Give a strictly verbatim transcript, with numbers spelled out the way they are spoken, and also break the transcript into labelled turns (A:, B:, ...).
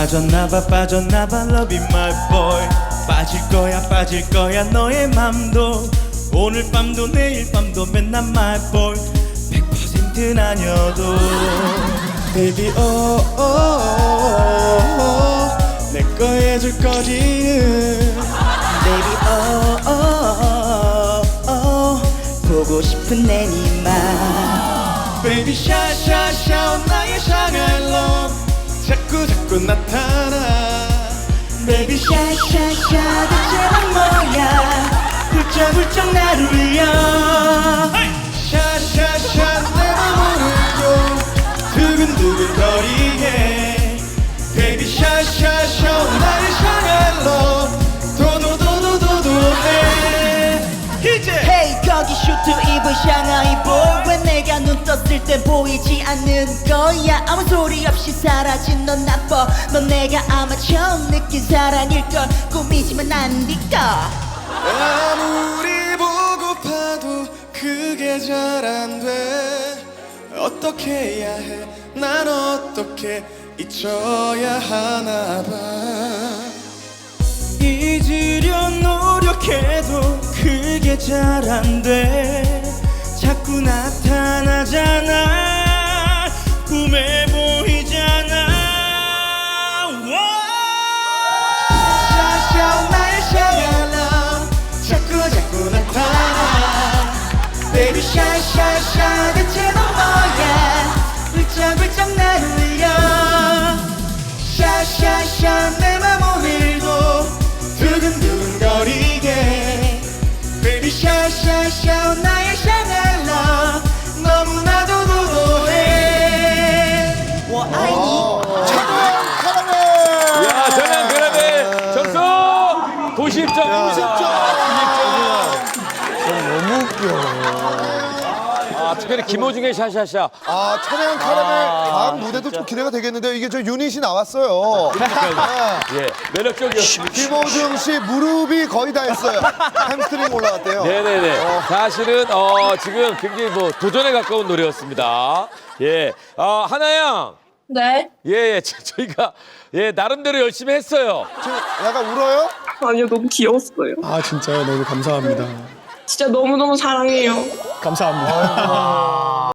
A: 빠졌나봐 빠졌나봐 Love you my boy. 빠질 거야 빠질 거야 너의 맘도. 오늘 밤도 내일 밤도 맨날 my boy. 백 퍼센트 아니어도 Baby oh, oh, oh, oh. 내 거 해줄 거지.
B: Baby oh, oh, oh, oh. 보고 싶은 내 니만.
A: Baby 샤샤샤 나의 샹할 love. 자꾸 자꾸 나타나.
B: Baby 샤샤샤 대체 넌 뭐야. 훌쩍훌쩍 나를 울려.
A: 샤샤샤 내 맘을 울고 두근두근 거리게. Baby 샤샤샤 나의 샹할 love. 도도도도도도해. 이제
B: Hey 거기 슈트 입은 샹하이 boy. 왜 내가 눈 떴을 때 보이지 않는 거야. 아무 소리 없이 사라진 넌 나빠. 넌 내가 아마 처음 느낀 사랑일걸. 꿈이지만 난 네가.
A: 아무리 보고파도 그게 잘 안 돼. 어떻게 해야 해? 난 어떻게 잊혀야 하나 봐. 잊으려 노력해도 그게 잘 안 돼. 자꾸 나타나잖아. 꿈에 보이잖아. 샤샤 나의 샤갈라. 자꾸 자꾸 나타나. Baby 샤샤샤 대체 넌 뭐야.
B: 훌쩍훌쩍 나를 울려.
A: 샤샤샤 내 맘 오늘도 두근두근 거리게. Baby 샤샤샤 나의 샹할라. 너무나도 도도해.
B: 워 아이니.
C: 야, 전향 그라벨 점수 구십 점.
D: 너무 웃겨.
C: 아, 특별히 김호중의 샤샤샤.
D: 아, 천혜영 카라멜 다음 무대도 좀 기대가 되겠는데요. 이게 저 유닛이 나왔어요.
C: 예, 매력적이었습니다.
D: 김호중 씨 무릎이 거의 다 했어요. 햄스트링 올라갔대요.
C: 네네네. 사실은 어, 지금 굉장히 뭐 도전에 가까운 노래였습니다. 예, 어, 하나양.
E: 네?
C: 예, 예, 저- 저희가 예 나름대로 열심히 했어요.
D: 지금 약간 울어요?
E: 아니요, 너무 귀여웠어요.
F: 아 진짜요? 너무 감사합니다.
E: 진짜 너무너무 사랑해요.
F: 감사합니다.